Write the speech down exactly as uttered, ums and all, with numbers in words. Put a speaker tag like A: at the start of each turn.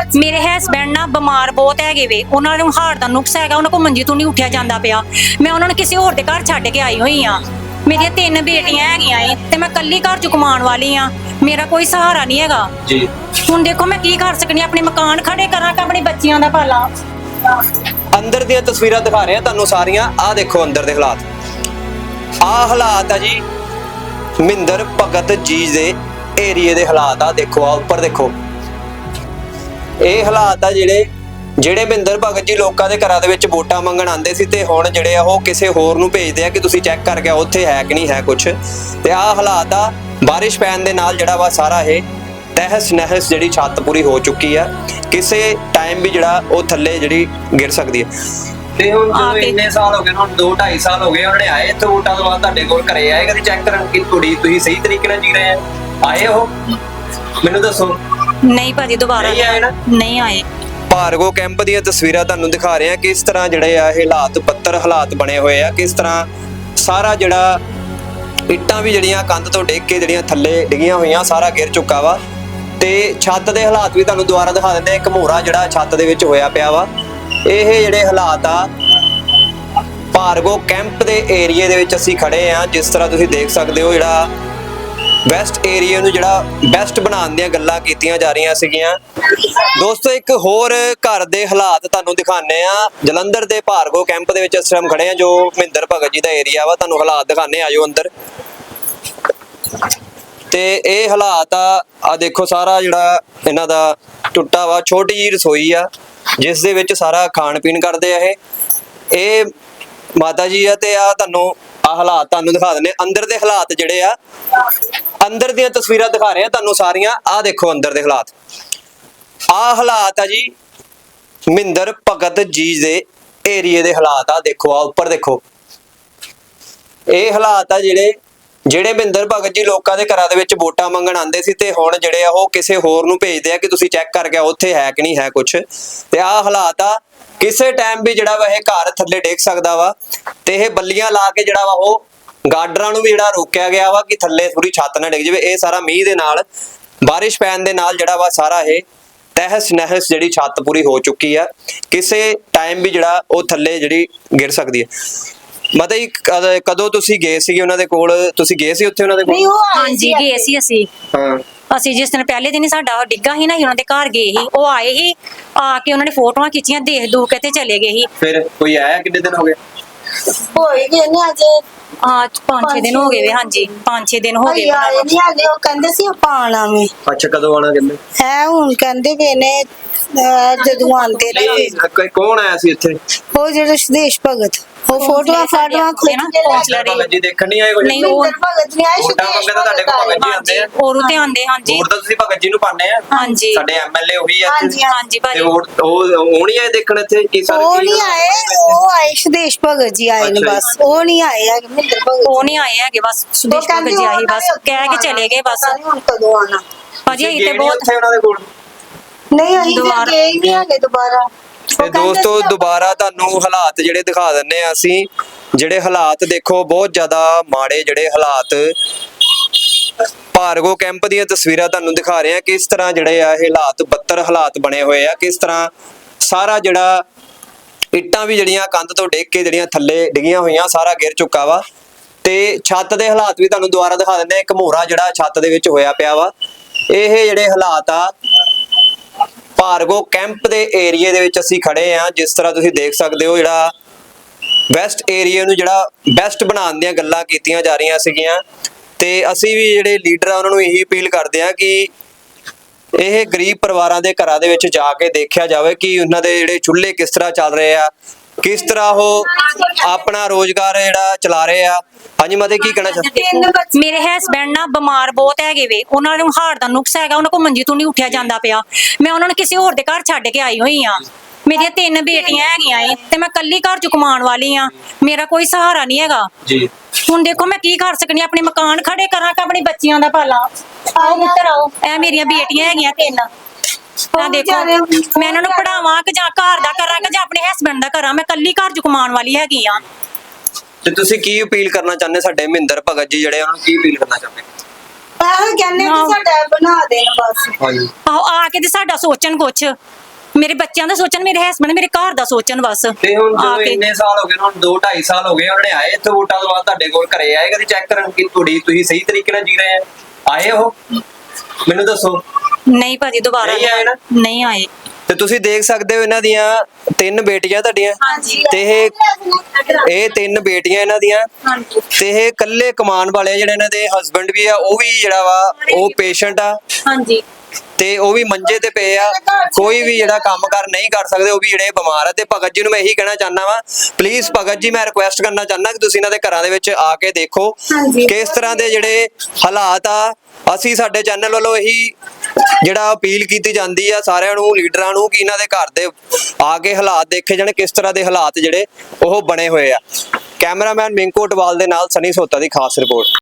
A: ਮੇਰੇ ਹਸਬੈਂਡ ਨਾ ਬਿਮਾਰ ਬਹੁਤ ਹੈਗੇ ਵੇ, ਉਹਨਾਂ ਨੂੰ ਹਾਰਟ ਦਾ ਨੁਕਸ ਹੈਗਾ, ਉਹਨਾਂ ਕੋਲ ਮੰਜੀ ਤੋਂ ਨਹੀਂ ਉੱਠਿਆ ਜਾਂਦਾ ਪਿਆ। ਮੈਂ ਉਹਨਾਂ ਨੂੰ ਕਿਸੇ ਹੋਰ ਦੇ ਘਰ ਛੱਡ ਕੇ ਆਈ ਹੋਈ ਆ। ਮੇਰੀਆਂ ਤਿੰਨ ਬੇਟੀਆਂ ਹੈਗੀਆਂ ਏ ਤੇ ਮੈਂ ਕੱਲੀ ਘਰ ਚ ਕਮਾਉਣ ਵਾਲੀ ਆ। ਮੇਰਾ ਕੋਈ ਸਹਾਰਾ ਨਹੀਂ ਹੈਗਾ
B: ਜੀ।
A: ਹੁਣ ਦੇਖੋ ਮੈਂ ਕੀ ਕਰ ਸਕਨੀ, ਆਪਣੇ ਮਕਾਨ ਖੜੇ ਕਰਾਂ ਕਿ ਆਪਣੇ ਬੱਚਿਆਂ ਦਾ ਪਾਲਾਂ।
B: ਅੰਦਰ ਦੀਆਂ ਤਸਵੀਰਾਂ ਦਿਖਾ ਰਹੇ ਆ ਤੁਹਾਨੂੰ ਸਾਰੀਆਂ। ਆਹ ਦੇਖੋ ਅੰਦਰ ਦੇ ਹਾਲਾਤ, ਆਹ ਹਾਲਾਤ ਆ ਜੀ ਮਹਿੰਦਰ ਭਗਤ ਜੀ ਦੇ ਏਰੀਏ ਦੇ ਹਾਲਾਤ। ਆ ਦੇਖੋ, ਆ ਉੱਪਰ ਦੇਖੋ, ਇਹ ਹਾਲਾਤ ਆ ਜਿਹੜੇ ਜਿਹੜੇ ਮਹਿੰਦਰ ਭਗਤ ਜੀ ਲੋਕਾਂ ਦੇ ਘਰਾਂ ਦੇ ਵਿੱਚ ਵੋਟਾਂ ਮੰਗਣ ਆਉਂਦੇ ਸੀ ਤੇ ਹੁਣ ਜਿਹੜੇ ਆ ਉਹ ਕਿਸੇ ਹੋਰ ਨੂੰ ਭੇਜਦੇ ਆ ਕਿ ਤੁਸੀਂ ਚੈੱਕ ਕਰਕੇ ਆਓ ਉੱਥੇ ਹੈ ਕਿ ਨਹੀਂ ਹੈ ਕੁਝ। ਤੇ ਆਹ ਹਾਲਾਤ ਆ ਬਾਰਿਸ਼ ਪੈਣ ਦੇ ਨਾਲ ਜਿਹੜਾ ਵਾ ਸਾਰਾ ਇਹ ਤਹਿਸ ਨਹਿਸ ਜਿਹੜੀ ਛੱਤ ਪੂਰੀ ਹੋ ਚੁੱਕੀ ਆ, ਕਿਸੇ ਟਾਈਮ ਵੀ ਜਿਹੜਾ ਉਹ ਥੱਲੇ ਜਿਹੜੀ ਗਿਰ ਸਕਦੀ ਹੈ। ਤੇ ਹੁਣ ਜਦੋਂ ਇੰਨੇ ਸਾਲ ਹੋ ਗਏ, ਹੁਣ ਦੋ ਢਾਈ ਸਾਲ ਹੋ ਗਏ ਉਹਨਾਂ ਨੇ ਆਏ ਇੱਥੇ ਵੋਟਾਂ ਤੋਂ ਬਾਅਦ ਤੁਹਾਡੇ ਕੋਲ ਘਰੇ ਆਏ ਕਦੀ ਚੈੱਕ ਕਰਨ ਕਿ ਕੁੜੀ ਤੁਸੀਂ ਸਹੀ ਤਰੀਕੇ ਨਾਲ ਜੀ ਰਹੇ ਆ? ਆਏ ਉਹ ਮੈਨੂੰ ਦੱਸੋ।
A: ਨਹੀਂ ਭਾਜੀ ਦੁਬਾਰਾ
B: ਨਹੀਂ ਆਏ ਨਾ?
A: ਨਹੀਂ ਆਏ।
B: ਭਾਰਗੋ ਕੈਂਪ ਦੀਆਂ ਤਸਵੀਰਾਂ ਤੁਹਾਨੂੰ ਦਿਖਾ ਰਹੇ ਆ ਕਿਸ ਤਰ੍ਹਾਂ ਜਿਹੜੇ ਆ ਇਹ ਹਾਲਾਤ ਪੱਤਰ ਹਾਲਾਤ ਬਣੇ ਹੋਏ ਆ, ਕਿਸ ਤਰ੍ਹਾਂ ਸਾਰਾ ਜਿਹੜਾ ਇੱਟਾਂ ਵੀ ਜਿਹੜੀਆਂ ਕੰਧ ਤੋਂ ਡਿੱਗ ਕੇ ਜਿਹੜੀਆਂ ਥੱਲੇ ਡਿੱਗੀਆਂ ਹੋਈਆਂ ਸਾਰਾ ਗਿਰ ਚੁੱਕਾ ਵਾ। ਤੇ ਛੱਤ ਦੇ ਹਾਲਾਤ ਵੀ ਤੁਹਾਨੂੰ ਦੁਬਾਰਾ ਦਿਖਾ ਦਿੰਦੇ ਆ। ਇੱਕ ਮੋਹਰਾ ਜਿਹੜਾ ਛੱਤ ਦੇ ਵਿੱਚ ਹੋਇਆ ਪਿਆ ਵਾ। ਇਹ ਜਿਹੜੇ ਹਾਲਾਤ ਆ ਭਾਰਗੋ ਕੈਂਪ ਦੇ ਏਰੀਏ ਦੇ ਵਿੱਚ ਅਸੀਂ ਖੜੇ ਆ। ਜਿਸ ਤਰ੍ਹਾਂ ਤੁਸੀਂ ਦੇਖ ਸਕਦੇ ਹੋ ਜਿਹੜਾ ਵੈਸਟ ਏਰੀਆ ਨੂੰ ਜਿਹੜਾ ਬੈਸਟ ਬਣਾਉਣ ਦੀਆਂ ਗੱਲਾਂ ਕੀਤੀਆਂ ਜਾ ਰਹੀਆਂ ਸੀਗੀਆਂ। ਦੋਸਤੋ ਇੱਕ ਹੋਰ ਘਰ ਦੇ ਹਾਲਾਤ ਤੁਹਾਨੂੰ ਦਿਖਾਣੇ ਆ। ਜਲੰਧਰ ਦੇ ਭਾਰਗੋ ਕੈਂਪ ਦੇ ਵਿੱਚ ਇਸ ਟਾਈਮ ਖੜੇ ਆ ਜੋ ਮਹਿੰਦਰ ਭਗਤ ਜੀ ਦਾ ਏਰੀਆ ਵਾ। ਤੁਹਾਨੂੰ ਹਾਲਾਤ ਦਿਖਾਣੇ ਆਜੋ ਅੰਦਰ। ਤੇ ਇਹ ਹਾਲਾਤ ਆ ਆ ਦੇਖੋ, ਸਾਰਾ ਜਿਹੜਾ ਇਹਨਾਂ ਦਾ ਟੁੱਟਾ ਵਾ। ਛੋਟੀ ਜਿਹੀ ਰਸੋਈ ਆ ਜਿਸ ਦੇ ਵਿੱਚ ਸਾਰਾ ਖਾਣ ਪੀਣ ਕਰਦੇ ਆ ਇਹ ਇਹ ਮਾਤਾ ਜੀ ਆ। ਤੇ ਆ ਤੁਹਾਨੂੰ ਆ ਹਾਲਾਤ ਤੁਹਾਨੂੰ ਦਿਖਾ ਦਿੰਦੇ ਅੰਦਰ ਦੇ ਹਾਲਾਤ ਜਿਹੜੇ ਆ। ਅੰਦਰ ਦੀਆਂ ਤਸਵੀਰਾਂ ਦਿਖਾ ਰਹੇ ਆ ਤੁਹਾਨੂੰ ਸਾਰੀਆਂ। ਆ ਦੇਖੋ ਅੰਦਰ ਦੇ ਹਾਲਾਤ, ਆ ਹਾਲਾਤ ਆ ਜੀ ਮਹਿੰਦਰ ਭਗਤ ਜੀ ਦੇ ਏਰੀਏ ਦੇ ਹਾਲਾਤ। ਆ ਦੇਖੋ, ਆ ਉੱਪਰ ਦੇਖੋ, ਇਹ ਹਾਲਾਤ ਆ ਜਿਹੜੇ ਜਿਹੜੇ ਮਹਿੰਦਰ ਭਗਤ ਜੀ ਲੋਕਾਂ ਦੇ ਘਰਾਂ ਦੇ ਵਿੱਚ ਵੋਟਾਂ ਮੰਗਣ ਆਉਂਦੇ ਸੀ ਤੇ ਹੁਣ ਜਿਹੜੇ ਆ ਉਹ ਕਿਸੇ ਹੋਰ ਨੂੰ ਭੇਜਦੇ ਆ ਕਿ ਤੁਸੀਂ ਚੈੱਕ ਕਰਕੇ ਆਓ ਉੱਥੇ ਹੈ ਕਿ ਨਹੀਂ ਹੈ ਕੁਝ। ਤੇ ਆਹ ਹਾਲਾਤ ਆ ਕਿਸੇ ਟਾਈਮ ਵੀ ਜਿਹੜਾ ਵਾ ਇਹ ਘਰ ਥੱਲੇ ਡਿੱਗ ਸਕਦਾ ਵਾ। ਤੇ ਇਹ ਬੱਲੀਆਂ ਲਾ ਕੇ ਜਿਹੜਾ ਵਾ ਉਹ ਗਾਰਡਰਾਂ ਨੂੰ ਵੀ ਜਿਹੜਾ ਰੋਕਿਆ ਗਿਆ ਵਾ ਕਿ ਥੱਲੇ ਪੂਰੀ ਛੱਤ ਨਾ ਡਿੱਗ ਜਾਵੇ। ਇਹ ਸਾਰਾ ਮੀਂਹ ਦੇ ਨਾਲ ਬਾਰਿਸ਼ ਪੈਣ ਦੇ ਨਾਲ ਜਿਹੜਾ ਵਾ ਸਾਰਾ ਇਹ ਤਹਿਸ ਨਹਿਸ ਜਿਹੜੀ ਛੱਤ ਪੂਰੀ ਹੋ ਚੁੱਕੀ ਆ, ਕਿਸੇ ਟਾਈਮ ਵੀ ਜਿਹੜਾ ਉਹ ਥੱਲੇ ਜਿਹੜੀ ਗਿਰ ਸਕਦੀ ਹੈ। ਮਤਲਬ ਕਦੋਂ ਤੁਸੀਂ ਗਏ ਸੀਗੇ ਉਹਨਾਂ ਦੇ ਕੋਲ? ਤੁਸੀਂ ਗਏ ਸੀ ਉੱਥੇ ਉਹਨਾਂ ਦੇ ਕੋਲ?
A: ਹਾਂਜੀ ਗਏ ਸੀ ਅਸੀਂ।
B: ਹਾਂ,
A: ਅਸੀਂ ਜਿਸ ਦਿਨ ਪਹਿਲੇ ਦਿਨ ਹੀ ਸਾਡਾ ਡਿੱਗਾ ਸੀ ਨਾ, ਉਹਨਾਂ ਦੇ ਘਰ ਗਏ ਸੀ। ਉਹ ਆਏ ਸੀ, ਆ ਕੇ ਉਹਨਾਂ ਨੇ ਫੋਟੋਆਂ ਖਿੱਚੀਆਂ, ਦੇਖ ਦੂਖ ਕੇ ਤੇ ਚਲੇ ਗਏ ਸੀ।
B: ਫਿਰ ਕੋਈ ਆਇਆ? ਕਿੰਨੇ ਦਿਨ ਹੋ ਗਏ?
C: ਹੋਈ ਗਏ ਨੇ ਅੱਜ
A: ਹਾਂ ਪੰਜ ਛੇ ਦਿਨ ਹੋ ਗਏ ਵੇ। ਹਾਂਜੀ ਪੰਜ ਛੇ ਦਿਨ ਹੋ ਗਏ।
C: ਆਏ ਨਹੀਂ ਹਾਲੇ, ਉਹ ਕਹਿੰਦੇ ਸੀ ਆਪਾਂ ਆਣਾ ਵੇ।
B: ਅੱਛਾ, ਕਦੋਂ ਆਣਾ ਕਹਿੰਦੇ?
C: ਹੈ ਹੁਣ ਕਹਿੰਦੇ ਵੇ ਨੇ ਜਦੋਂ ਆਂਦੇ ਨੇ।
B: ਕੌਣ ਆਇਆ ਸੀ ਇੱਥੇ?
C: ਉਹ ਜਿਹੜਾ ਸੁਦੇਸ਼ ਭਗਤ, ਉਹ ਫੋਟੋਆਂ ਫਾਟੋਆਂ
B: ਖੋਜ ਜੀ ਦੇਖਣ ਨਹੀਂ ਆਏ?
A: ਨਹੀਂ, ਉਹ
C: ਭਗਤ ਨਹੀਂ ਆਏ।
B: ਵੋਟਾਂ ਮੰਗਣ ਤਾਂ ਤੁਹਾਡੇ ਕੋਲ ਭਗਤ ਜੀ ਆਉਂਦੇ ਆ।
A: ਔਰੂ ਤੇ ਆਂਦੇ। ਹਾਂਜੀ
B: ਵੋਟ ਤਾਂ ਤੁਸੀਂ ਭਗਤ ਜੀ ਨੂੰ ਪਾਣੇ ਆ।
A: ਹਾਂਜੀ
B: ਸਾਡੇ ਐਮਐਲਏ ਉਹੀ ਆ।
C: ਹਾਂਜੀ
A: ਹਾਂਜੀ ਭਾਜੀ।
B: ਤੇ ਵੋਟ ਉਹ ਉਹ ਨਹੀਂ ਆਏ ਦੇਖਣ ਇੱਥੇ ਕੀ ਸਾਰੇ?
C: ਉਹ ਨਹੀਂ ਆਏ, ਉਹ ਆਏ ਸੁਦੇਸ਼ ਭਗਤ ਜੀ ਆਏ ਨੇ ਬਸ। ਉਹ ਨਹੀਂ ਆਏ ਹੈਗੇ ਮਹਿੰਦਰ ਭਗਤ।
A: ਉਹ ਨਹੀਂ ਆਏ ਹੈਗੇ ਬਸ। ਸੁਦੇਸ਼ ਭਗਤ ਜੀ ਆਏ ਬਸ, ਕਹਿ ਕੇ ਚਲੇ ਗਏ ਬਸ।
C: ਹੁਣ ਕਦੋਂ ਆਣਾ
A: ਭਾਜੀ? ਅਸੀਂ ਤੇ ਬਹੁਤ
B: ਉੱਥੇ ਉਹਨਾਂ ਦੇ ਕੋਲ
C: ਨਹੀਂ, ਅਸੀਂ ਤੇ ਗਏ ਹੀ ਨਹੀਂ ਹੈਗੇ ਦੁਬਾਰਾ।
B: ਤੇ ਦੋਸਤੋ ਦੁਬਾਰਾ ਤੁਹਾਨੂੰ ਹਾਲਾਤ ਜਿਹੜੇ ਦਿਖਾ ਦਿੰਨੇ ਆ ਅਸੀਂ। ਜਿਹੜੇ ਹਾਲਾਤ ਦੇਖੋ ਬਹੁਤ ਜ਼ਿਆਦਾ ਮਾੜੇ ਜਿਹੜੇ ਹਾਲਾਤ ਭਾਰਗੋ ਕੈਂਪ ਦੀਆਂ ਤਸਵੀਰਾਂ ਤੁਹਾਨੂੰ ਦਿਖਾ ਰਹੇ ਆ ਕਿਸ ਤਰ੍ਹਾਂ ਜਿਹੜੇ ਆ ਇਹ ਹਾਲਾਤ ਬੱਤਰ ਹਾਲਾਤ ਬਣੇ ਹੋਏ ਆ। ਕਿਸ ਤਰ੍ਹਾਂ ਸਾਰਾ ਜਿਹੜਾ ਇੱਟਾਂ ਵੀ ਜਿਹੜੀਆਂ ਕੰਧ ਤੋਂ ਡਿੱਗ ਕੇ ਜਿਹੜੀਆਂ ਥੱਲੇ ਡਿੱਗੀਆਂ ਹੋਈਆਂ ਸਾਰਾ ਗਿਰ ਚੁੱਕਾ ਵਾ। ਤੇ ਛੱਤ ਦੇ ਹਾਲਾਤ ਵੀ ਤੁਹਾਨੂੰ ਦੁਬਾਰਾ ਦਿਖਾ ਦਿੰਦੇ ਆ। ਇੱਕ ਮੋਹਰਾ ਜਿਹੜਾ ਛੱਤ ਦੇ ਵਿੱਚ ਹੋਇਆ ਪਿਆ ਵਾ। ਇਹ ਜਿਹੜੇ ਹਾਲਾਤ ਆ ਭਾਰਗੋ ਕੈਂਪ ਦੇ ਏਰੀਏ ਦੇ ਵਿੱਚ ਅਸੀਂ ਖੜੇ ਆ। ਜਿਸ ਤਰ੍ਹਾਂ ਤੁਸੀਂ ਦੇਖ ਸਕਦੇ ਹੋ ਜਿਹੜਾ ਵੈਸਟ ਏਰੀਆ ਨੂੰ ਜਿਹੜਾ ਬੈਸਟ ਬਣਾਉਣ ਦੀਆਂ ਗੱਲਾਂ ਕੀਤੀਆਂ ਜਾ ਰਹੀਆਂ ਸੀਗੀਆਂ। ਤੇ ਅਸੀਂ ਵੀ ਜਿਹੜੇ ਲੀਡਰ ਆ ਉਹਨਾਂ ਨੂੰ ਇਹੀ ਅਪੀਲ ਕਰਦੇ ਆ ਕਿ ਇਹ ਗਰੀਬ ਪਰਿਵਾਰਾਂ ਦੇ ਘਰਾਂ ਦੇ ਵਿੱਚ ਜਾ ਕੇ ਦੇਖਿਆ ਜਾਵੇ ਕਿ ਉਹਨਾਂ ਦੇ ਜਿਹੜੇ ਚੁੱਲ੍ਹੇ ਕਿਸ ਤਰ੍ਹਾਂ ਚੱਲ ਰਹੇ ਆ, ਕਿਸ ਤਰ੍ਹਾਂ ਉਹ ਆਪਣਾ ਰੋਜ਼ਗਾਰ ਜਿਹੜਾ ਚਲਾ ਰਹੇ ਆ। ਹਾਂਜੀ ਮਾਤੇ ਕੀ ਕਹਿਣਾ ਚਾਹੁੰਦੇ?
A: ਮੇਰੇ ਹਸਬੈਂਡ ਨਾ ਬਿਮਾਰ ਬਹੁਤ ਹੈਗੇ ਵੇ, ਉਹਨਾਂ ਨੂੰ ਹਾਰਟ ਦਾ ਨੁਕਸ ਹੈਗਾ, ਉਹਨਾਂ ਕੋਲ ਮੰਜੀ ਤੋਂ ਨਹੀਂ ਉੱਠਿਆ ਜਾਂਦਾ ਪਿਆ। ਮੈਂ ਉਹਨਾਂ ਨੂੰ ਕਿਸੇ ਹੋਰ ਦੇ ਘਰ ਛੱਡ ਕੇ ਆਈ ਹੋਈ ਆ। ਮੇਰੀਆਂ ਤਿੰਨ ਬੇਟੀਆਂ ਹੈਗੀਆਂ ਏ ਤੇ ਮੈਂ ਕੱਲੀ ਘਰ ਚ ਕਮਾਉਣ ਵਾਲੀ ਆ। ਮੇਰਾ ਕੋਈ ਸਹਾਰਾ ਨਹੀਂ ਹੈਗਾ
B: ਜੀ।
A: ਹੁਣ ਦੇਖੋ ਮੈਂ ਕੀ ਕਰ ਸਕਨੀ, ਆਪਣੇ ਮਕਾਨ ਖੜੇ ਕਰਾਂ ਕਿ ਆਪਣੇ ਬੱਚਿਆਂ ਦਾ ਪਾਲਾਂ। ਆਓ ਮਿੱਤਰ ਆਓ, ਇਹ ਮੇਰੀਆਂ ਬੇਟੀਆਂ ਹੈਗੀਆਂ ਤਿੰਨ। ਆ ਦੇਖੋ ਮੈਂ ਇਹਨਾਂ ਨੂੰ ਪੜਾਵਾਂ ਕਿ ਜਾਂ ਘਰ ਦਾ ਕਰਾਂ ਕਿ ਜਾਂ ਆਪਣੇ ਹਸਬੈਂਡ ਦਾ ਕਰਾਂ। ਮੈਂ ਕੱਲੀ ਘਰ ਚ ਕਮਾਉਣ ਵਾਲੀ ਹੈਗੀ ਆ।
B: ਤੇ ਤੁਸੀਂ ਕੀ ਅਪੀਲ ਕਰਨਾ ਚਾਹੁੰਦੇ ਸਾਡੇ ਮਹਿੰਦਰ ਭਗਤ ਜੀ ਜਿਹੜੇ ਉਹਨਾਂ ਨੂੰ ਕੀ ਅਪੀਲ ਕਰਨਾ ਚਾਹੁੰਦੇ?
C: ਆਹ ਕਹਿੰਦੇ ਕਿ
A: ਹਾਂ।
C: ਸਾਡਾ ਬਣਾ ਦੇਣ ਬਸ।
B: ਹਾਂਜੀ
A: ਆਹੋ ਆ ਕੇ ਤੇ ਸਾਡਾ ਸੋਚਣ ਕੁਛ, ਮੇਰੇ ਬੱਚਿਆਂ ਦਾ ਸੋਚਣ, ਮੇਰੇ ਹਸਬੰਡ ਮੇਰੇ ਘਰ ਦਾ ਸੋਚਣ ਬਸ।
B: ਤੇ ਹੁਣ
A: ਆ
B: ਜਦੋਂ
A: ਕੇ
B: ਇੰਨੇ ਸਾਲ ਹੋ ਗਏ ਹੁਣ ਦੋ ਢਾਈ ਸਾਲ ਹੋ ਗਏ ਉਹਨਾਂ ਨੇ ਆਏ ਇੱਥੇ ਵੋਟਾਂ ਤੋਂ ਬਾਅਦ ਤੁਹਾਡੇ ਕੋਲ ਘਰੇ ਆਏ ਕਦੀ ਚੈੱਕ ਕਰਨ ਕਿ ਤੁਹਾਡੀ ਤੁਸੀਂ ਸਹੀ ਤਰੀਕੇ ਨਾਲ ਜੀ ਰਹੇ ਆ ਆਏ ਉਹ ਮੈਨੂੰ ਦੱਸੋ।
A: ਨਹੀਂ ਭਾਜੀ ਦੁਬਾਰਾ
B: ਨਹੀਂ ਆਏ ਨਾ?
A: ਨਹੀਂ ਆਏ।
B: ਤੇ ਤੁਸੀਂ ਦੇਖ ਸਕਦੇ ਹੋ ਇਹਨਾਂ ਦੀਆਂ ਤਿੰਨ ਬੇਟੀਆਂ ਤੁਹਾਡੀਆਂ
A: ਹਾਂਜੀ
B: ਤੇ ਇਹ ਇਹ ਤਿੰਨ ਬੇਟੀਆਂ ਇਹਨਾਂ ਦੀਆਂ
A: ਹਾਂਜੀ
B: ਤੇ ਇਹ ਇਕੱਲੇ ਕਮਾਉਣ ਵਾਲੇ ਆ, ਜਿਹੜੇ ਇਹਨਾਂ ਦੇ ਹਸਬੰਡ ਵੀ ਆ ਉਹ ਵੀ ਜਿਹੜਾ ਵਾ ਉਹ ਪੇਸ਼ੈਂਟ ਆ
A: ਹਾਂਜੀ
B: ਤੇ ਉਹ ਵੀ ਮੰਜੇ ਤੇ ਪਏ ਆ, ਕੋਈ ਵੀ ਜਿਹੜਾ ਕੰਮ ਕਰ ਨਹੀਂ ਕਰ ਸਕਦੇ, ਉਹ ਵੀ ਜਿਹੜੇ ਬਿਮਾਰ ਆ। ਤੇ ਭਗਤ ਜੀ ਨੂੰ ਮੈਂ ਇਹੀ ਕਹਿਣਾ ਚਾਹੁੰਦਾ ਵਾਂ, ਪਲੀਜ਼ ਭਗਤ ਜੀ ਮੈਂ ਰਿਕੁਐਸਟ ਕਰਨਾ ਚਾਹੁੰਦਾ ਕਿ ਤੁਸੀਂ ਇਹਨਾਂ ਦੇ ਘਰਾਂ ਦੇ ਵਿੱਚ ਆ ਕੇ ਦੇਖੋ ਕਿਸ ਤਰ੍ਹਾਂ ਦੇ ਜਿਹੜੇ ਹਾਲਾਤ ਆ। ਅਸੀਂ ਸਾਡੇ ਚੈਨਲ ਵੱਲੋਂ ਇਹੀ ਜਿਹੜਾ ਅਪੀਲ ਕੀਤੀ ਜਾਂਦੀ ਆ ਸਾਰਿਆਂ ਨੂੰ, ਲੀਡਰਾਂ ਨੂੰ, ਕਿ ਇਹਨਾਂ ਦੇ ਘਰ ਦੇ ਆ ਕੇ ਹਾਲਾਤ ਦੇਖੇ ਜਾਣ, ਕਿਸ ਤਰ੍ਹਾਂ ਦੇ ਹਾਲਾਤ ਜਿਹੜੇ ਉਹ ਬਣੇ ਹੋਏ ਆ। ਕੈਮਰਾਮੈਨ ਮਿੰਕੂ ਅਟਵਾਲ ਦੇ ਨਾਲ ਸਨੀ ਸੋਤਾ ਦੀ ਖਾਸ ਰਿਪੋਰਟ।